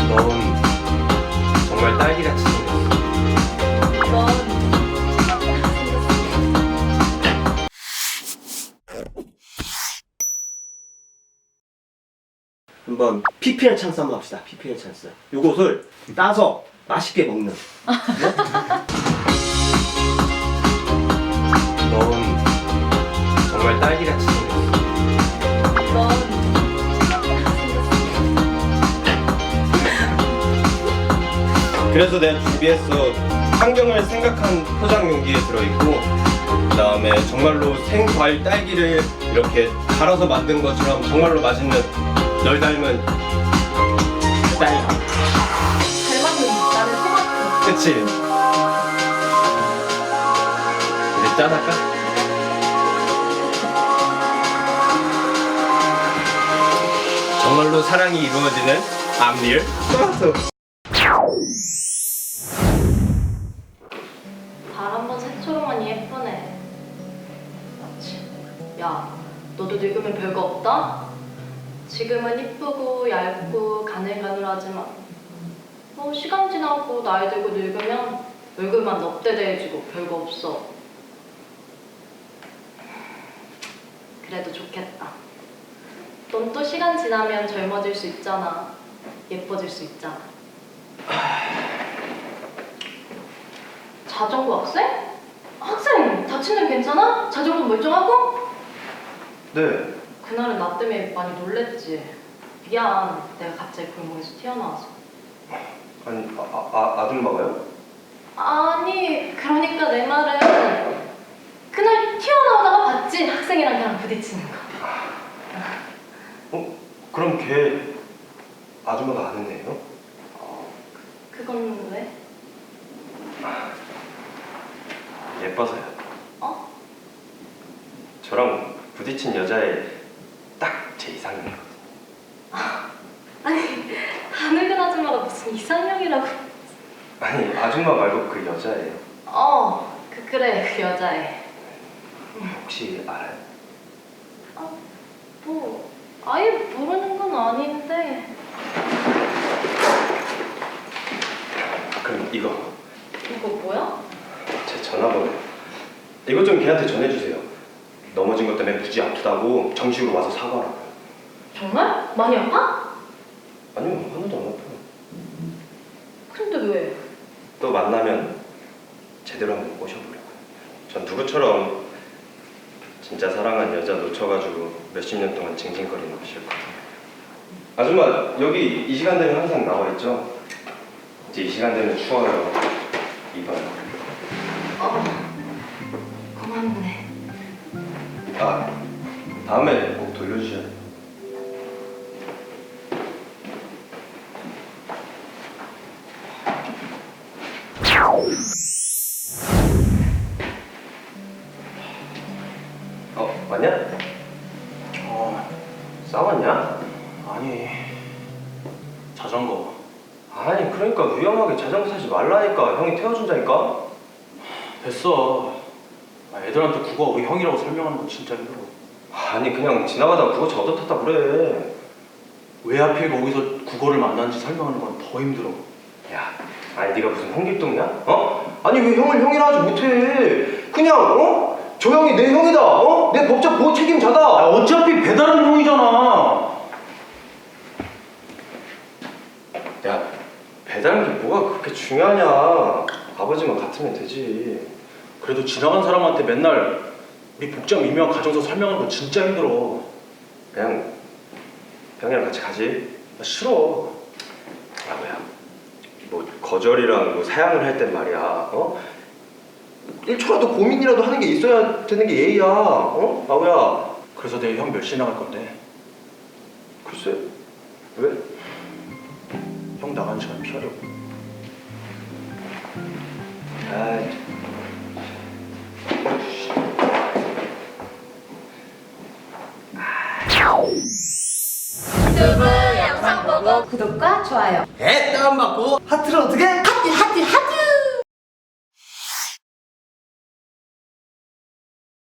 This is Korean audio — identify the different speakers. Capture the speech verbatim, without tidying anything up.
Speaker 1: 넌 정말 딸기같이 생겼어.
Speaker 2: 넌
Speaker 3: 한번 피피엘 찬스 한번 합시다. 피피엘 찬스. 요것을 따서 맛있게 먹는.
Speaker 1: 넌 정말 딸기같이 생겼어.
Speaker 2: 넌
Speaker 1: 그래서 내가 준비했어. 환경을 생각한 포장 용기에 들어있고, 그 다음에 정말로 생과일 딸기를 이렇게 갈아서 만든 것처럼 정말로 맛있는 널 닮은 딸기.
Speaker 2: 닮았는 나는 토마토.
Speaker 1: 그치? 이제 짠할까? 정말로 사랑이 이루어지는 암리얼 토마토.
Speaker 2: 달 한 번 새초롱하니 예쁘네. 맞지? 야, 너도 늙으면 별거 없다? 지금은 이쁘고 얇고 가늘가늘하지만 뭐 시간 지나고 나이 들고 늙으면 얼굴만 넙대대해지고 별거 없어. 그래도 좋겠다. 넌 또 시간 지나면 젊어질 수 있잖아. 예뻐질 수 있잖아. 자전거 학생? 학생 다친 데 괜찮아? 자전거 멀쩡하고?
Speaker 1: 네.
Speaker 2: 그날은 나 때문에 많이 놀랬지. 미안, 내가 갑자기 골목에서 튀어나와서.
Speaker 1: 아니, 아, 아, 아줌마가요?
Speaker 2: 아니, 그러니까 내 말은 그날 튀어나오다가 봤지? 학생이랑 걔랑 부딪히는 거.
Speaker 1: 어? 그럼 걔 아줌마가 아는 애예요?
Speaker 2: 어, 그, 그건 왜?
Speaker 1: 예뻐서요.
Speaker 2: 어?
Speaker 1: 저랑 부딪힌 여자애 딱 제 이상형이거든요.
Speaker 2: 아니, 다 늙은 아줌마가 무슨 이상형이라고.
Speaker 1: 아니, 아줌마 말고 그 여자애요.
Speaker 2: 어, 그, 그래, 그 여자애.
Speaker 1: 혹시 알아요?
Speaker 2: 아, 뭐, 아예 모르는 건 아닌데.
Speaker 1: 그럼 이거
Speaker 2: 이거 뭐야?
Speaker 1: 제 전화번호. 이것 좀 걔한테 전해주세요. 넘어진 것 때문에 무지 아프다고 정식으로 와서 사과하라고요.
Speaker 2: 정말? 많이 아파?
Speaker 1: 아니요, 하나도 안 아파요.
Speaker 2: 근데 왜?
Speaker 1: 또 만나면 제대로 한번 꼬셔보려고요. 전 누구처럼 진짜 사랑한 여자 놓쳐가지고 몇십 년 동안 징징거리는 거 싫거든요. 아줌마, 여기 이 시간 되면 항상 나와있죠? 이제 이 시간 되면 추워요. 이봐요.
Speaker 2: 어, 고맙네.
Speaker 1: 아, 다음에 꼭 돌려주셔야 돼요. 어, 왔냐?
Speaker 4: 어,
Speaker 1: 싸웠냐?
Speaker 4: 아니 자전거
Speaker 1: 아니, 그러니까 위험하게 자전거 타지 말라니까. 형이 태워준다니까?
Speaker 4: 됐어. 아, 애들한테 국어 우리 형이라고 설명하는 건 진짜 힘들어.
Speaker 1: 아니, 그냥 지나가다 그거 저 얻어탔다 그래.
Speaker 4: 왜 하필 거기서 국어를 만났는지 설명하는 건 더 힘들어.
Speaker 1: 야, 아니 네가 무슨 홍길동이야? 어? 아니 왜 형을 형이라 하지 못해? 그냥 어? 저 형이 내 형이다. 어? 내 법적 보호 책임자다.
Speaker 4: 아, 어차피 배달은 형이잖아.
Speaker 1: 야, 배달한 게 뭐가 그렇게 중요하냐? 아버지만 같으면 되지.
Speaker 4: 그래도 지나간 사람한테 맨날 우리 복장 미묘한 가정서 설명하는 건 진짜 힘들어.
Speaker 1: 그냥 형이랑 같이 가지.
Speaker 4: 나 싫어.
Speaker 1: 아버야, 뭐 거절이랑 뭐 사양을 할 땐 말이야. 어? 일 초라도 고민이라도 하는 게 있어야 되는 게 예의야. 어? 아버야.
Speaker 4: 그래서 내일 형 몇 시에 나갈 건데?
Speaker 1: 글쎄, 왜?
Speaker 4: 형 나가는 시간 피하려고.
Speaker 1: 아이.
Speaker 5: 유튜브 영상 보고 구독과 좋아요.
Speaker 3: 에? 다운받고 하트를 어떻게?